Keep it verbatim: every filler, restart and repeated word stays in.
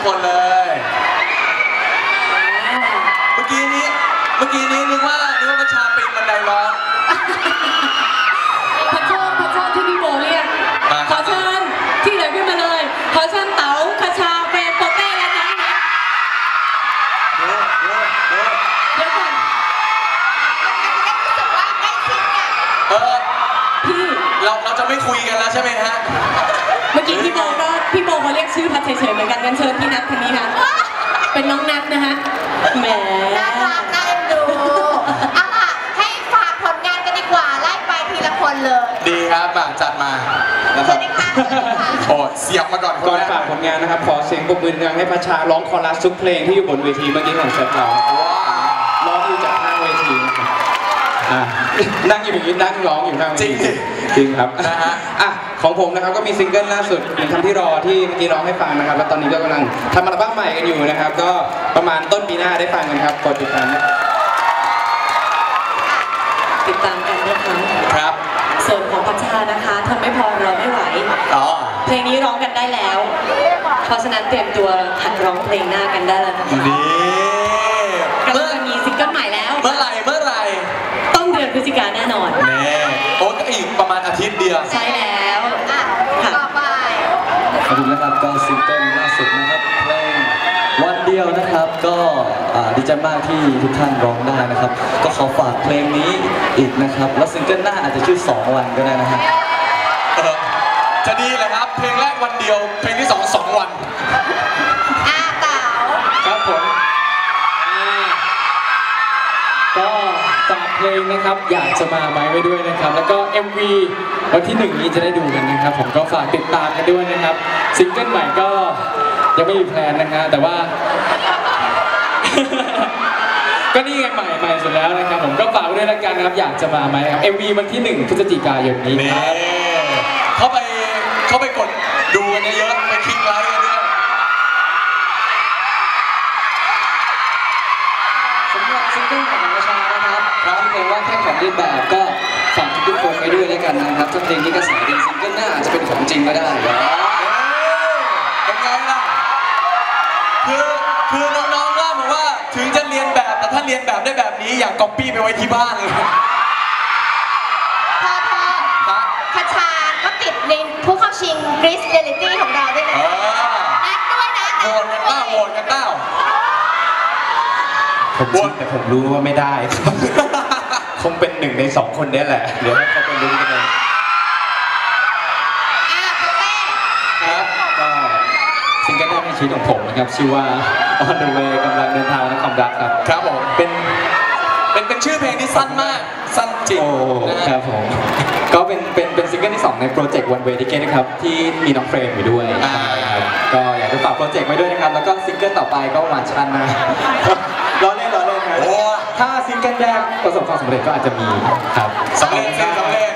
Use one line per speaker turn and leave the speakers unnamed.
คนเลยเมื่อกี้นี้เมื่อกี้นี้นึกว่านึกว่าประชาปีนบันไดร้อง
พระเจ้าพระเจ้าที่พี่โบเรียกขอเชิญที่เหลือขึ้นมาเลยขอเชิญเต๋าคชาเฟรมโปเต้และน้องนัทเดี๋ยวเดี๋ยวเดี๋ยวเดี๋ยวก่อน
เออพี่เราเราจะไม่คุยกันแล้วใช่ไหมฮะ
เมื่อกี้พี่โบก็พี่โบเขาเรียกชื่อพัดเฉยๆเหมือนกันกันเชิญพี่นัททางนี้ค่ะเป็นน้องนัทนะฮะแหม
น่ารักน่าเอ็นดูเอาล่ะให้ฝากผลงานกันดีกว่าไล่ไปทีละคนเลย
ดีครับมาจัดมา
สวัสดีค่ะ
โอ้เสียบมาก่อน
ก่อนฝากผลงานนะครับขอเสียงปรบมือดังให้พัชชาร้องคอรัสทุกเพลงที่อยู่บนเวทีเมื่อกี้ของเซฟเราร้องอยู่จากข้างเวทีนะครับนั่งอยู่อย่างนี้นั่งร้องอยู่ข้างเวทีจริงครับนะฮะอ่ะของผมนะครับก็มีซิงเกิลล่าสุดเป็นคำที่รอที่เมื่อกี้ร้องให้ฟังนะครับแล้วตอนนี้ก็กำลังทำอัลบั้มใหม่กันอยู่นะครับก็ประมาณต้นปีหน้าได้ฟังกันครับกดติดตาม
ติดตามกันนะคะ
ครับ
ส่วนของพัชชานะคะทำไม่พอเราไม่ไหวเพลงนี้ร้องกันได้แล้วเพราะฉะนั้นเตรียมตัวหัดร้องเพลงหน้ากันได้แล้วนะคะ
นี่
กำลังจะมีซิงเกิลใหม่แล้ว
เมื่อไหร่เมื่อไหร่
ต้นเดือนพฤศจิกายนแน่นอน
แน่โอ้ก็อีกประมาณอาทิตย์เดียว
ใช่แล้ว
อ่ะต่อไป
ขอบคุณนะครับก็ซิงเกิลล่าสุดนะครับเพลงวันเดียวนะครับก็ดีใจมากที่ทุกท่านร้องได้นะครับก็ขอฝากเพลงนี้อีกนะครับแล้วซิงเกิลหน้าอาจจะชื่อสองวันก็ได้นะฮะ
จะดีเลยครับเพลงแรกวันเดียวเพลงที่สองสองวัน
อ่าเต๋า
ครับผมก็ฝากเพลงนะครับอยากจะมาไหมไว้ด้วยนะครับแล้วก็ เอ็ม วี วันที่หนึ่งนี้จะได้ดูกันนะครับผมก็ฝากติดตามกันด้วยนะครับซิงเกิลใหม่ก็ยังไม่มีแพลนนะฮะแต่ว่าก็นี่ไงใหม่ใหม่สุดแล้วนะครับผมก็ฝากด้วยละกันนะครับอยากจะมาไหมครับ เอ็ม วี วันที่หนึ่งพฤศจิกายนนี้ครับ
เข้าไปเข้าไปกดดูกันเยอะๆไปคลิกไลค์กันด้วย
สำหรับซิงเกิลของประชานะครับที่เพลงว่าแค่ของเล่นแบบก็ฝากทุกคนไปด้วยแล้วกันนะครับถ้าเพลงนี้กระแสดีซิงเกิลหน้าอาจจะเป็นของจริงก็ได้
เป็นไงล่ะคือคือน้องๆว่าบอกว่าถึงจะเรียนแบบแต่ถ้าเรียนแบบได้แบบนี้อยากก๊อปปี้ไปไว้ที่บ้านเลย
พอพอพัชชาก็ติดในผู้เข้าชิงกรีซเรียลิตี้ของเราด้วยนะนัดด้วยนะ
โหวตกันเต้าโหวตกันเต้า
ผมชิงแต่ผมรู้ว่าไม่ได้คงเป็นหนึ่งในสองคนนี้แหละเดี๋ยวให้เขาไปลุ้นกันเลย
ครับ
ก็ซิงเกิลแรกในชีวิตของผมนะครับชื่อว่า On the Way กำลังเดินทางและความรักครับ
ครับผมเป็นเป็นเป็นชื่อเพลงที่สั้นมากสั้นจริง
ครับผมก็เป็นเป็นเป็นซิงเกิลที่สองในโปรเจกต์ One Way Ticket นะครับที่มีน้องเฟรมอยู่ด้วยก็อยากจะฝากโปรเจกต์ไว้ด้วยนะครับแล้วก็ซิงเกิลต่อไปก็หวานชันนะล้อเล่นล้อเล่นครับถ้าซิงเกิลแรกประสบความสำเร็จก็อาจจะมีครับ
สำเร็จสำเร็จ